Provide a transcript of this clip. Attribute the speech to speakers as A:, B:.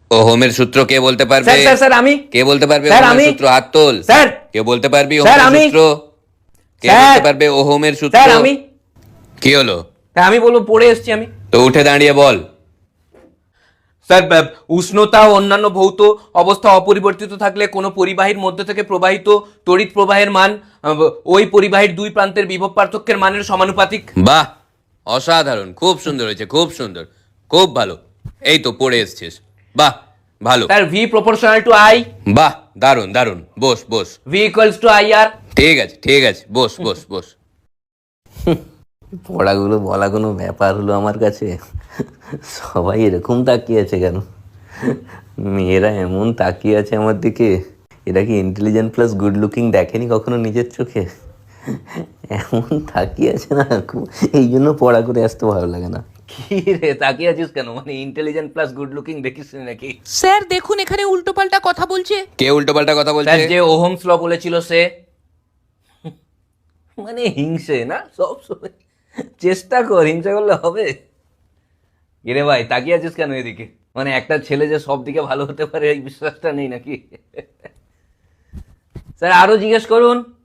A: ওহমের সূত্র কে বলতে পারবে?
B: স্যার স্যার স্যার আমি।
A: কে বলতে পারবে
B: স্যার
A: ওহমের
B: আমি।
A: সূত্র? হাত তোল।
B: স্যার।
A: কে বলতে পারবি
B: স্যার
A: ওহমের
B: আমি।
A: সূত্র? কে
B: স্যার।
A: বলতে পারবে ওহমের সূত্র?
B: স্যার আমি।
A: কি হলো?
B: হ্যাঁ আমি বলবো, পড়ে এসছি আমি।
A: তো উঠে দাঁড়িয়ে বল।
B: স্যার উষ্ণতা ও অন্যান্য ভৌত অবস্থা অপরিবর্তিত থাকলে কোনো পরিবাহীর মধ্যে থেকে প্রবাহিত তড়িৎ প্রবাহের মান ওই পরিবাহীর দুই প্রান্তের বিভব পার্থক্যের মানের সমানুপাতিক।
A: বাহ, অসাধারণ, খুব সুন্দর হয়েছে, খুব সুন্দর, খুব ভালো। এই তো পড়ে এসছিস, বাহ, ভালো।
B: Sir V proportional to I.
A: বাহ, দারুণ দারুণ, boss boss.
B: V equals to I R.
A: ঠিক আছে ঠিক আছে, বস বস বস।
C: পড়াগুলো বলা কোনো ব্যাপার হলো আমার কাছে? সবাই এরকম তাকিয়ে আছে কেন? মেয়েরা এমন তাকিয়ে আছে আমার দিকে, এরা কি ইন্টেলিজেন্ট প্লাস গুড লুকিং দেখেনি কখনো নিজের চোখে? এমন তাকিয়ে আছে না, এই জন্য পড়া করে আসতে ভালো লাগে না।
B: কি রে তাকিয়ে আছিস কেন? মানে ইন্টেলিজেন্ট প্লাস গুড লুকিং দেখিস নাকি?
D: স্যার দেখুন এখানে উল্টোপাল্টা কথা বলছে।
A: কে উল্টোপাল্টা কথা বলছে?
B: স্যার যে ওহমস ল বলেছিল সে। মানে হিংসে না সব সময়, চেষ্টা কর, হিংসা করলে হবে? এরে ভাই তাকিয়ে আছিস কেন এদিকে? মানে একটা ছেলে যে সব দিকে ভালো হতে পারে এই বিশ্বাসটা নেই নাকি? স্যার আরো জিজ্ঞেস করুন।